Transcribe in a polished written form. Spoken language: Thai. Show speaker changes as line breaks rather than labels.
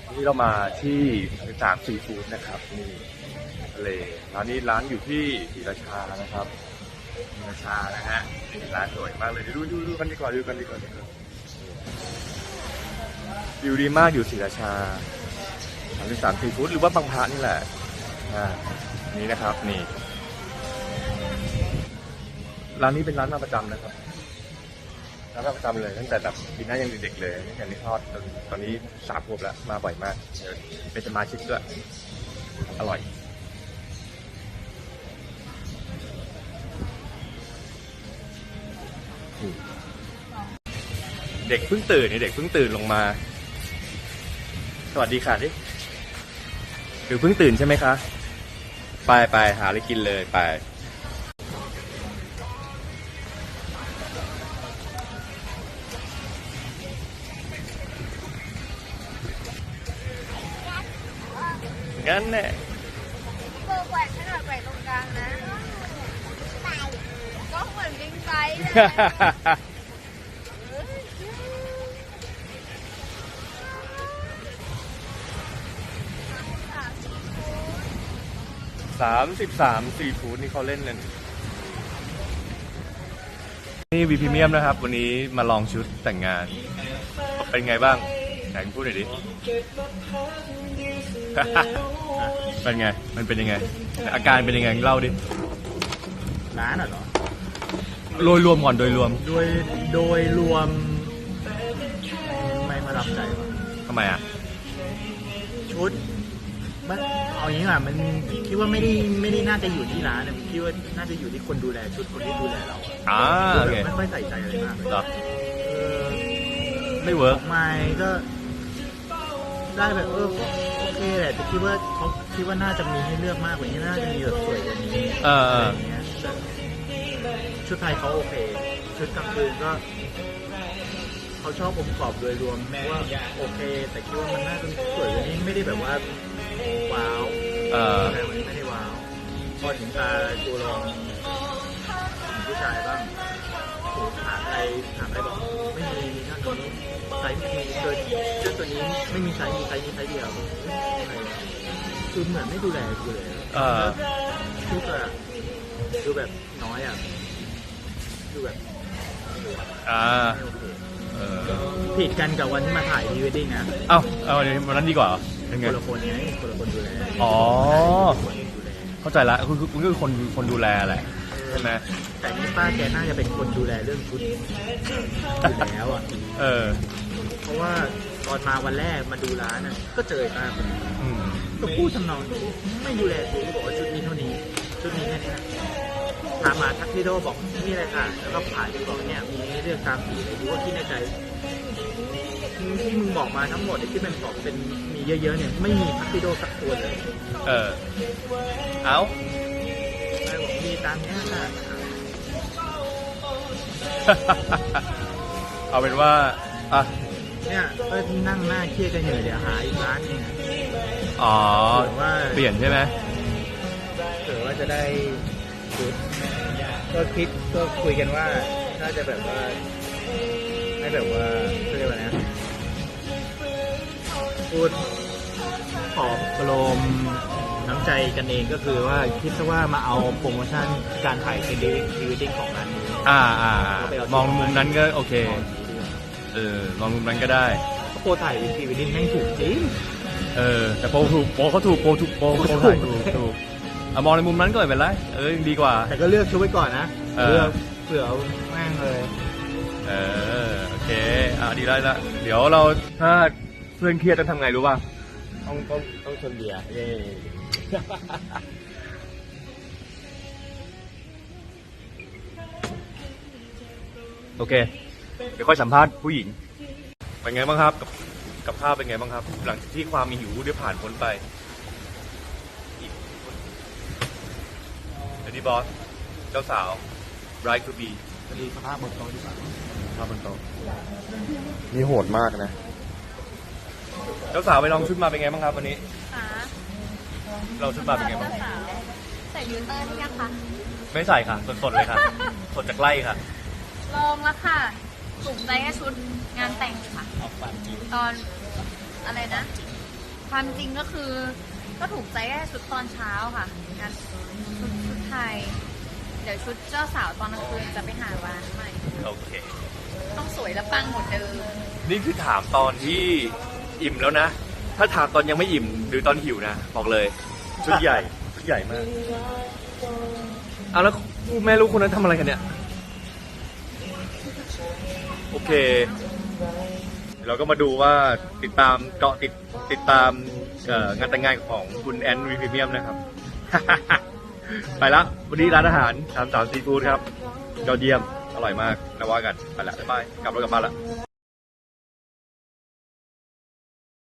นี่เรามาที่3ซีฟู้ดนะครับนี่ทะเลร้านนี้ร้านอยู่ที่ศรีราชานะครับศรีราชานะฮะนี่ร้านสวยมากเลยดูกันดีกว่าดูกันดีกว่าวิวดีมากอยู่ศรีราชา3ซีฟู้ดหรือว่าบางพระนี่แหละนี่นะครับนี่ร้านนี้เป็นร้านมาประจำนะครับร้านมาประจำเลยตั้งแต่แบบปีหน้ายังเด็กๆเลยตั้งแต่นี้ทอดตอนนี้3 ขวบแล้วมาบ่อยมากเป็นสมาชิกด้วยอร่อยเด็กเพิ่งตื่นนี่เด็กเพิ่งตื่นลงมาสวัสดีค่ะดิหรือเพิ่งตื่นใช่ไหมคะไปหาอะไรกินเลยไปงั้นแหละ
เบอร์แหวนขนาดแหวนตรงกลางนะก็เหมือนลิงไซส์เลย
33ซีฟู้ดนี่เขาเล่นเลยนี่วีพรีเมียมนะครับวันนี้มาลองชุดแต่งงานเป็นไงบ้างไหนพูดหน่อยดิ เป็นไงมันเป็นยังไงอาการเป็นยังไงเล่าดิ
ร้านเหรอ
โดยรวมก่อนโดยรวม
ไม่ประทับใจว่ะ
ทำไมอ่ะ
ชุดมันเอาอย่างนี้อ่ะมันคิดว่าไม่ได้น่าจะอยู่ที่ร้านนะคิดว่าน่าจะอยู่ที่คนดูแลชุดคนที่ดูแลเรา
โอเค
ไม่ค่อยใส่ใจอะไรมาก
เลยไม่เวิร์ก
ไม่ก็ได้แบบโอเคแหละแต่คิดว่าเขาคิดว่าน่าจะมีให้เลือกมากกว่านี้น่าจะมีแบบสวยกว่านี้อะไรเงี้ยชุดไทยเขาโอเคชุดกลางคืนก็เขาชอบองค์ประกอบโดยรวมว่าโอเคแต่คิดว่ามันน่าจะสวยกว่านี้ไม่ได้แบบว่าว้าวไม่ได้ว้าวพอถึงตาจูลองผู้ชายบ้างถามอะไรบอกไม่มีท่านตัวนี้ไซส์ไม่มีเกินชุดตัวนี้ไม่มีไซส์มีไซส์นี้ไซส์เดียวคือเหมือนไม่ดูแลกูเลยชุดอะดูแบบน้อยอ่ะดูแบบผิดกันกับวันที่มาถ่ายพรีเวดดิ้งนะ
เอาวันนั้นดีกว่า
เป็นคนละคนไงคนละคนดูแล
เข้าใจละคุณก็คือคนดูแลแหละใช่ไหม
แต่นี่ป้าแกน่าจะเป็นคนดูแลเรื่องชุดอยู่แล้วอ่ะเพราะว่าตอนมาวันแรกมาดูร้านน่ะก็เจอป้าคนนี้ก็พูดทำนองไม่ดูแลชุดบอกว่าชุดนี้เท่านี้ชุดนี้แค่นี้ถามมาทักซิโดบอกนี่อะไรค่ะแล้วก็ผ่านดูบอกเนี่ยมีเรื่องตามสีเลยดูว่าคิดในใจที่มึงบอกมาทั้งหมดที่เป็นบอกเป็นมีเยอะๆเนี่ยไม่มีทักซิโดสักตัวเลย
เอา
บอกมีตามนี้ค่ะ
เอาเป็นว่า
เนี่ยก็นั่งหน้าเครียดกันอยู่เดี๋ยวหาอีกร้านนึง
ว่าเปลี่ยนใช่ไหม
เผื่อว่าจะได้ชุดก็คุยกันว่าน่าจะแบบว่าให้แบบว่าเรียกว่านะพูดขอบกลมน้ำใจกันเองก็คือว่าคิดซะว่ามาเอาโปรโมชั่นการถ่ายพรีเวดดิ้งของร้านนี้
มองมุมนั้นก็โอเคมองมุมนั้นก็ได้
โปรถ่ายพรีเวดดิ้งแม่งถูกจริง
แต่โปรถูกโปรเขาถูกโปรถ่ายถูกมองในมุมนั้นก็ไม่เป็นไรดีกว่า
แต่ก็เลือกชุดไว้ก่อนนะเลือกเผื่อแม่งเลย
โอเคดีได้ละเดี๋ยวเราถ้าเพื่อนเครียดต้องทำไงรู้ป่ะ
ต้องชนเบียร์
โอเคเดี๋ยวค่อยสัมภาษณ์ผู้หญิงเป็นไงบ้างครับกับภาพเป็นไงบ้างครับหลังจากที่ความมีหิวได้ผ่านพ้นไปดีบอสเจ้าสาว Bride to be
ดีสภาพบนโต๊ะดีกว่า
สภาพบนโต๊ะนี่โหดมากนะเจ้าสาวไปลองชุดมาเป็นไงบ้างครับวันนี้เราชุดมาเป็นไงบ้าง
ใส่ฟิลเตอร์หรือยังคะ
ไม่ใส่ค่ะสดๆเลยค่ะสดจากไร่ค่ะ
ลองแล้วค่ะถูกใจแค่ชุดงานแต่งค่ะตอนอะไรนะความจริงก็คือ ก็ถูกใจแค่ชุดตอนเช้าค่ะงานชุดไทย เดี๋ยวชุดเจ้าสาวตอนกลางคืนจะไปหาร้านใหม่
โอเค
ต้องสวยและปังหมดเดิม
นี่คือถามตอนที่อิ่มแล้วนะ ถ้าถามตอนยังไม่อิ่มหรือตอนหิวนะ บอกเลย ชุดใหญ่ ชุดใหญ่มากเอาแล้วคู่แม่ลูกคนนั้นทำอะไรกันเนี่ย โอเค เราก็มาดูว่าติดตามเกาะติดตามงานแต่งงานของคุณแอนวีพรีเมียมนะครับ ไปละวันนี้ร้านอาหาร33ซีฟู้ดครับยอดเยี่ยม อร่อยมากแล้วว่ากัน ไปละบ๊ายบายกลับรถกลับบ้านละ